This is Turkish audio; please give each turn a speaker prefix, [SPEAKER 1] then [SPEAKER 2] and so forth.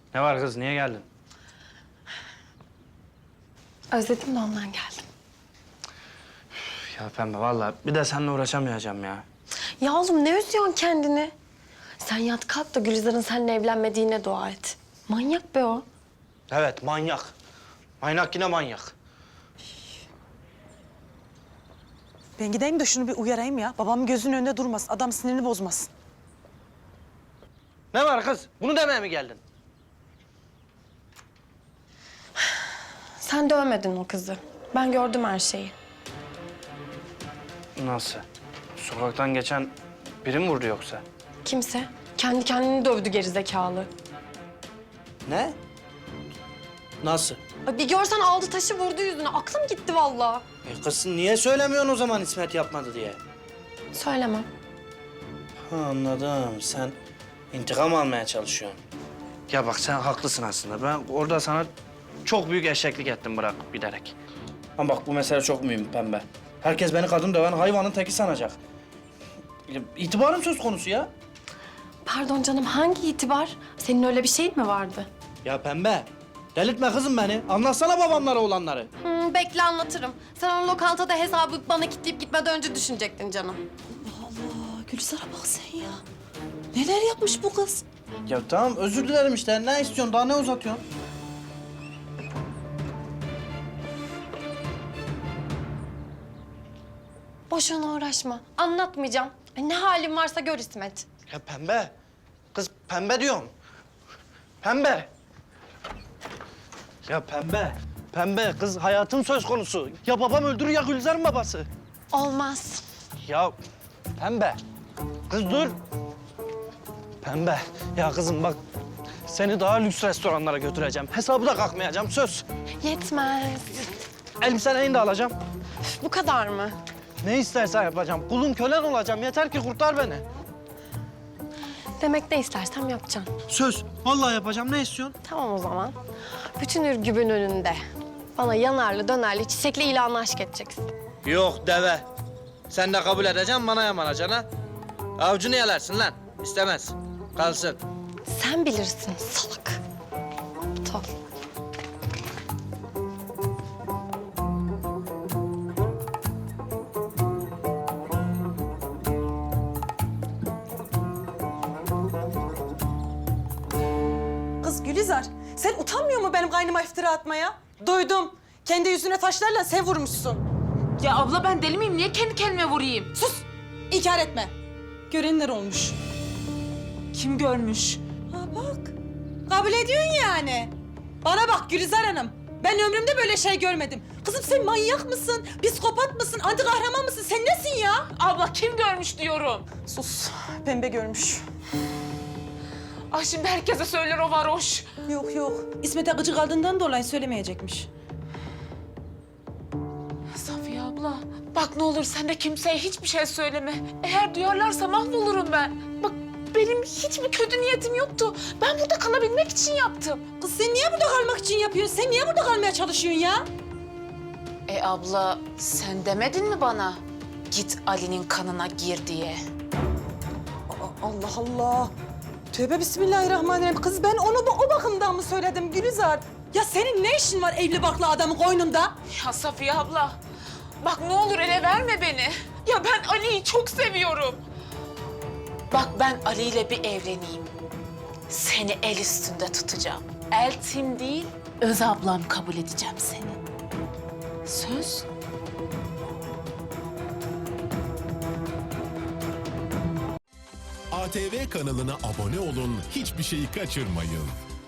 [SPEAKER 1] Ne var kız, niye geldin?
[SPEAKER 2] Özledim de ondan geldim.
[SPEAKER 1] Ya Pembe vallahi bir de seninle uğraşamayacağım ya.
[SPEAKER 2] Ya oğlum ne üzüyorsun kendini? Sen yat kalk da Gülizar'ın seninle evlenmediğine dua et. Manyak be o.
[SPEAKER 1] Evet, manyak. Manyak yine manyak.
[SPEAKER 3] Ben gideyim de şunu bir uyarayım ya. Babamın gözünün önünde durmasın. Adam sinirini bozmasın.
[SPEAKER 1] Ne var kız? Bunu demeye mi geldin?
[SPEAKER 2] Sen dövmedin o kızı. Ben gördüm her şeyi.
[SPEAKER 1] Nasıl? Sokaktan geçen biri mi vurdu yoksa?
[SPEAKER 2] Kimse. Kendi kendini dövdü gerizekalı.
[SPEAKER 1] Ne? Nasıl?
[SPEAKER 2] Ay bir görsen aldı taşı vurdu yüzüne. Aklım gitti vallahi.
[SPEAKER 1] Kız niye söylemiyorsun o zaman İsmet yapmadı diye?
[SPEAKER 2] Söylemem.
[SPEAKER 1] Ha, anladım. Sen intikam almaya çalışıyorsun. Ya bak sen haklısın aslında. Ben orada sana çok büyük eşeklik ettim bırak bilerek. Ama bak bu mesele çok mühim Pembe. Herkes beni kadın döven hayvanın teki sanacak. Ya, İtibarım söz konusu ya.
[SPEAKER 2] Pardon canım hangi itibar? Senin öyle bir şeyin mi vardı?
[SPEAKER 1] Ya Pembe, delirtme kızım beni. Anlatsana babamlara olanları.
[SPEAKER 2] Bekle anlatırım. Sen onu lokantada hesabı bana kilitleyip gitmeden önce düşünecektin canım.
[SPEAKER 3] Allah Gülizar'a bak sen ya. Neler yapmış bu kız?
[SPEAKER 1] Ya tamam özür dilerim işte. Ne istiyorsun? Daha ne uzatıyorsun?
[SPEAKER 2] Boşuna uğraşma. Anlatmayacağım. Ay, ne halin varsa gör İsmet.
[SPEAKER 1] Ya Pembe. Kız Pembe diyorum. Pembe. Ya Pembe. Pembe kız hayatın söz konusu. Ya babam öldürür ya Gülizar'ın babası.
[SPEAKER 2] Olmaz.
[SPEAKER 1] Ya Pembe. Kız dur. Pembe. Ya kızım bak. Seni daha lüks restoranlara götüreceğim. Hesabı da kalkmayacağım söz.
[SPEAKER 2] Yetmez.
[SPEAKER 1] Elbiselerini de alacağım.
[SPEAKER 2] Üf, bu kadar mı?
[SPEAKER 1] Ne istersen yapacağım. Kulun kölen olacağım. Yeter ki kurtar beni.
[SPEAKER 2] Demek ne istersem yapacağım.
[SPEAKER 1] Söz. Vallahi yapacağım. Ne istiyorsun?
[SPEAKER 2] Tamam o zaman. Bütün Ürgüp'ün önünde bana yanarlı, dönerli, çiçekli ilanla aşk edeceksin.
[SPEAKER 1] Yok deve. Sen de kabul edeceksin, bana yamanacaksın ha. Avcunu yalarsun lan. İstemez. Kalsın.
[SPEAKER 2] Sen bilirsin salak. Aptal.
[SPEAKER 3] Kız Gülizar, sen utanmıyor mu benim kaynıma iftira atmaya? Duydum. Kendi yüzüne taşlarla sen vurmuşsun.
[SPEAKER 4] Ya abla ben deli miyim? Niye kendi kendime vurayım?
[SPEAKER 3] Sus! İnkar etme. Görenler olmuş.
[SPEAKER 4] Kim görmüş?
[SPEAKER 3] Ha bak. Kabul ediyorsun yani. Bana bak Gülizar Hanım. Ben ömrümde böyle şey görmedim. Kızım sen manyak mısın? Psikopat mısın? Anti kahraman mısın? Sen nesin ya?
[SPEAKER 4] Abla kim görmüş diyorum.
[SPEAKER 3] Sus. Pembe görmüş.
[SPEAKER 4] Ah şimdi herkese söyler o varoş.
[SPEAKER 3] Yok yok. İsmet'e gıcık aldığından dolayı söylemeyecekmiş.
[SPEAKER 4] Safiye abla bak ne olur sen de kimseye hiçbir şey söyleme. Eğer duyarlarsa mahvolurum ben. Bak benim hiçbir kötü niyetim yoktu. Ben burada kalabilmek için yaptım.
[SPEAKER 3] Kız sen niye burada kalmak için yapıyorsun? Sen niye burada kalmaya çalışıyorsun ya?
[SPEAKER 4] Abla sen demedin mi bana? Git Ali'nin kanına gir diye.
[SPEAKER 3] Allah Allah. Tövbe bismillahirrahmanirrahim. Kız ben onu o bakımdan mı söyledim Gülizar? Ya senin ne işin var evli barklı adamın koynunda?
[SPEAKER 4] Ya Safiye abla bak ne olur ele verme beni. Ya ben Ali'yi çok seviyorum. Bak ben Ali ile bir evleneyim. Seni el üstünde tutacağım. Eltim değil, öz ablam kabul edeceğim seni. Söz.
[SPEAKER 5] ATV kanalına abone olun, hiçbir şeyi kaçırmayın.